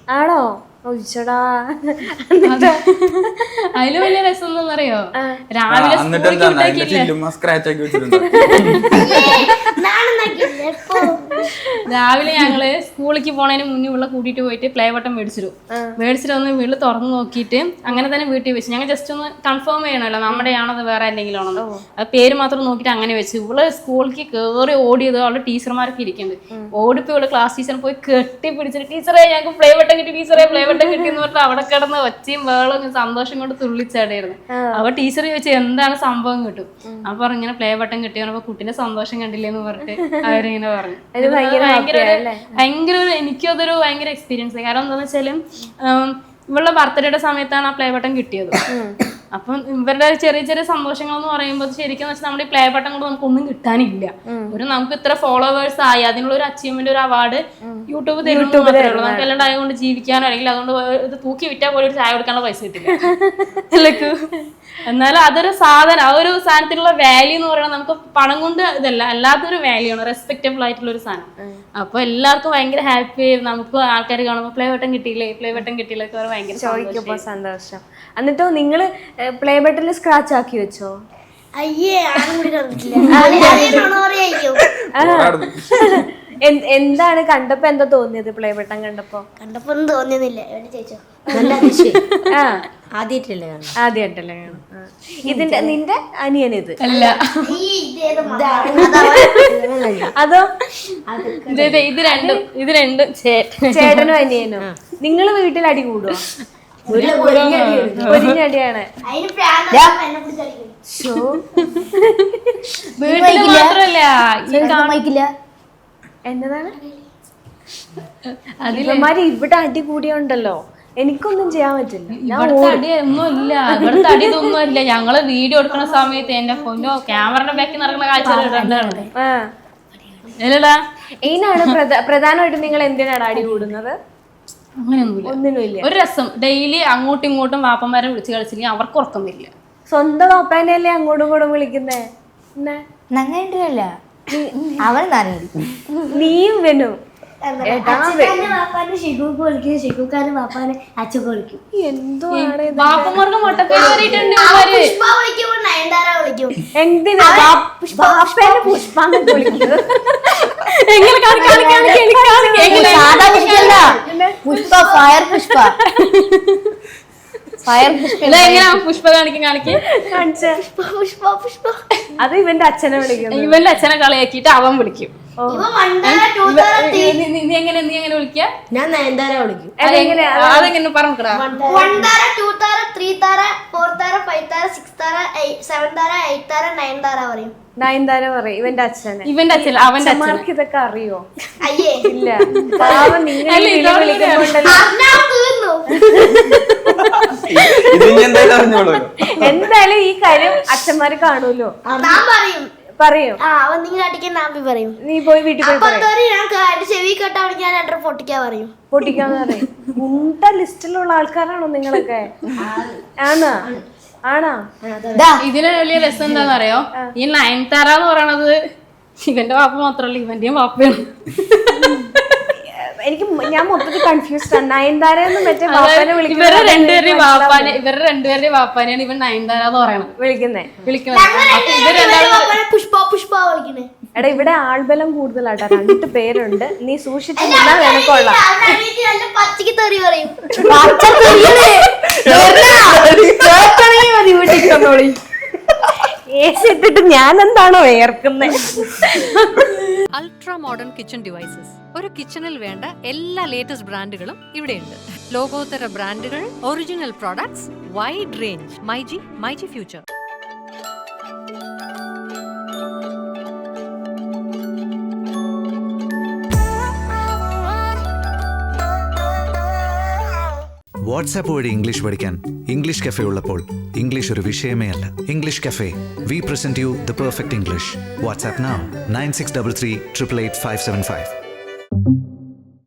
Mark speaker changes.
Speaker 1: ആണോ? ഒഴിച്ചടാ.
Speaker 2: അതില് വലിയ രസം എന്നറിയോ, രാവിലെ രാവിലെ ഞങ്ങള് സ്കൂളിലേക്ക് പോണതിന് മുന്നേ ഉള്ള കൂട്ടിയിട്ട് പോയിട്ട് പ്ലേ ബട്ടൺ മേടിച്ചിട്ട് ഒന്ന് വീട്ടിൽ തുറന്നു നോക്കിയിട്ട് അങ്ങനെ തന്നെ വീട്ടിൽ വെച്ചു. ഞങ്ങൾ ജസ്റ്റ് ഒന്ന് കൺഫേം ചെയ്യണമല്ലോ നമ്മുടെ ആണത് വേറെ എന്തെങ്കിലും ആണോ, അത് പേര് മാത്രം നോക്കിയിട്ട് അങ്ങനെ വെച്ചു. ഇവള് സ്കൂളിലേക്ക് കയറി ഓടിയത് അവളുടെ ടീച്ചർമാരൊക്കെ ഇരിക്കുന്നുണ്ട്. ഓടിപ്പോ ഇവിടെ ക്ലാസ് ടീച്ചർ പോയി കെട്ടി പിടിച്ചിട്ട് ടീച്ചറെ ഞങ്ങൾക്ക് പ്ലേ ബട്ടൺ കിട്ടി, ടീച്ചറെ പ്ലേ ബട്ടൺ കിട്ടി എന്ന് പറഞ്ഞിട്ട് അവിടെ കിടന്ന് ഒച്ചയും വേളും സന്തോഷം കൊണ്ട് തുള്ളിച്ചാടായിരുന്നു. അപ്പൊ ടീച്ചർ ചോദിച്ചു എന്താണ് സംഭവം കിട്ടും. അപ്പൊ പറഞ്ഞു ഇങ്ങനെ പ്ലേ ബട്ടൺ കിട്ടി. പറഞ്ഞപ്പോ കുട്ടീന്റെ സന്തോഷം കണ്ടില്ലേന്ന് പറഞ്ഞിട്ട് അവരിങ്ങനെ പറഞ്ഞു. ഭയങ്കര എനിക്കും അതൊരു ഭയങ്കര എക്സ്പീരിയൻസ്. കാരണം എന്താന്ന് വെച്ചാല് ഇവളുടെ ബർത്ത്ഡേയുടെ സമയത്താണ് ആ പ്ലേ ബട്ടൺ കിട്ടിയത്. അപ്പം ഇവരുടെ ചെറിയ ചെറിയ സന്തോഷങ്ങൾ എന്ന് പറയുമ്പോൾ ശരിക്കും വെച്ചാൽ നമ്മുടെ ഈ പ്ലേ ബട്ടൺ കൊണ്ട് നമുക്കൊന്നും കിട്ടാനില്ല. നമുക്ക് ഇത്ര ഫോളോവേഴ്സ് ആയി അതിനുള്ള ഒരു അച്ചീവ്മെന്റ്, ഒരു അവാർഡ് യൂട്യൂബ് തരുള്ളൂ. നമുക്ക് എല്ലാം ആയതുകൊണ്ട് ജീവിക്കാനോ അല്ലെങ്കിൽ അതുകൊണ്ട് ഇത് തൂക്കി വിറ്റാൽ പോലും ഒരു ചായ കൊടുക്കാനുള്ള പൈസ കിട്ടില്ല. എന്നാലും അതൊരു സാധനം, ആ ഒരു സാധനത്തിനുള്ള വാല്യൂ എന്ന് പറയുന്നത് നമുക്ക് പണം കൊണ്ട് ഇതല്ല, അല്ലാത്തൊരു വാല്യൂ ആണ്, റെസ്പെക്റ്റബിൾ ആയിട്ടുള്ള ഒരു സാധനം. അപ്പൊ എല്ലാവർക്കും ഭയങ്കര ഹാപ്പി ആയി. നമുക്ക് ആൾക്കാർ കാണുമ്പോൾ പ്ലേ ബട്ടൺ കിട്ടിയില്ലേ, പ്ലേ ബട്ടൺ കിട്ടിയില്ലേ ഭയങ്കര
Speaker 1: സന്തോഷം. എന്നിട്ടോ നിങ്ങള് പ്ലേ ബട്ടണിൽ സ്ക്രാച്ച് ആക്കി വെച്ചോ? എന്താണ് കണ്ടപ്പോ എന്താ തോന്നിയത്? പ്ലേ ബട്ടൺ കണ്ടപ്പോ
Speaker 3: ഒന്നും തോന്നിയൊന്നുമില്ല.
Speaker 1: ആദ്യമായിട്ടല്ലേ കാണും. ഇതിന്റെ നിന്റെ അനിയനിത്
Speaker 2: അല്ല,
Speaker 1: അതോ?
Speaker 2: ഇത് രണ്ടും
Speaker 1: ചേട്ടനും അനിയനും. നിങ്ങള് വീട്ടിൽ അടി കൂടുവോ? പൊരിഞ്ഞടിയാണ്.
Speaker 2: വീട്ടിൽ മാത്രല്ല
Speaker 1: എന്നതാണ് അതിലമാര് ഇവിടെ അടി കൂടിയുണ്ടല്ലോ, എനിക്കൊന്നും ചെയ്യാൻ പറ്റില്ല.
Speaker 2: ഇവിടുത്തെ അടി ഒന്നുമില്ല, ഇവിടുത്തെ അടി ഇതൊന്നും ഇല്ല. ഞങ്ങള് വീഡിയോ എടുക്കുന്ന സമയത്ത് എന്റെ ഫോനോ ക്യാമറയുടെ ബാക്കിൽ നടക്കുന്ന കാഴ്ച
Speaker 1: ഇതിനാണ് പ്രധാനമായിട്ടും നിങ്ങൾ എന്തിനാണ് അടി കൂടുന്നത്?
Speaker 2: അങ്ങനെയൊന്നുമില്ല, ഒരു രസം. ഡെയിലി അങ്ങോട്ടും ഇങ്ങോട്ടും വാപ്പന്മാരെ വിളിച്ച് കളിച്ചില്ലെങ്കിൽ അവർക്ക് ഉറക്കം വരില്ല.
Speaker 1: സ്വന്തം വാപ്പാനെയല്ലേ അങ്ങോട്ടും ഇങ്ങോട്ടും വിളിക്കുന്നേ? നീയും വനും
Speaker 2: വാപ്പന്മാർക്ക്
Speaker 1: എന്തിനാ പുഷ്പാന്ന് വിളിക്കുന്നത്?
Speaker 2: പുഷ്പ
Speaker 1: അത് ഇവന്റെ അച്ഛനെ വിളിക്കുന്നു.
Speaker 2: ഇവന്റെ അച്ഛനെ കളിയാക്കിയിട്ട് അവൻ വിളിക്കും. നീ എങ്ങനെ വിളിക്ക?
Speaker 3: ഞാൻ നയൻതാര വിളിക്കും.
Speaker 2: അതെങ്ങനെ പറഞ്ഞാ?
Speaker 3: 1 താര, 2 താര, 3 താര, 4 താര, 5 താര, 6 താര, 7 താര, 8 താര, 9 താര പറയും.
Speaker 1: നയൻതാര പറയും ഇവന്റെ അച്ഛനെ.
Speaker 2: ഇവന്റെ അച്ഛൻ അവന്റെ അച്ഛന്മാർക്ക്
Speaker 1: ഇതൊക്കെ അറിയോ?
Speaker 3: അയ്യേ
Speaker 1: ഇല്ല. പാവം നിങ്ങൾ എന്തായാലും ഈ കാര്യം അച്ഛന്മാര് കാണൂലോ. പറയും. നീ പോയി വീട്ടിൽ
Speaker 3: ചെവി കേട്ടാണെങ്കിൽ ഞാൻ പൊട്ടിക്കാൻ
Speaker 1: പൊട്ടിക്കാന്ന് പറയും. മുണ്ട ലിസ്റ്റിലുള്ള ആൾക്കാരാണോ നിങ്ങളൊക്കെ? ആണോ?
Speaker 2: ഇതിന് വലിയ രസം എന്താണെന്നറിയോ? ഈ നയൻതാര എന്ന് പറയണത് ഇവന്റെ വാപ്പ മാത്രല്ല, ഇവന്റെയും വാപ്പയാണ്.
Speaker 1: ഞാൻ മൊത്തത്തിൽ കൺഫ്യൂസ്ഡ് ആണ്. നയൻതാര
Speaker 2: ഇവരുടെ രണ്ടുപേരുടെയും വാപ്പാനെയാണ് ഇവൻ നയൻതാര എന്ന് പറയണത് വിളിക്കുന്നത്.
Speaker 1: എടാ ഇവിടെ ആൾബലം കൂടുതലാട്ടാ, 2 പേരുണ്ട്. നീ സൂക്ഷിച്ചു നിനക്കൊള്ളാം. ഇട്ടിട്ട് ഞാൻ എന്താണോ വേർക്കുന്നത്?
Speaker 4: Ultra modern kitchen devices. ഒരു കിച്ചണിൽ വേണ്ട എല്ലാ ലേറ്റസ്റ്റ് ബ്രാൻഡുകളും ഇവിടെയുണ്ട്. ലോകോത്തര ബ്രാൻഡുകൾ, original products, wide range. MyG future.
Speaker 5: WhatsApp വഴി ഇംഗ്ലീഷ് പഠിക്കാൻ ഇംഗ്ലീഷ് കഫേ ഉള്ളപ്പോൾ ഇംഗ്ലീഷ് ഒരു വിഷയമേ അല്ല. English cafe, we present you the perfect English. WhatsApp now 9633 888 575.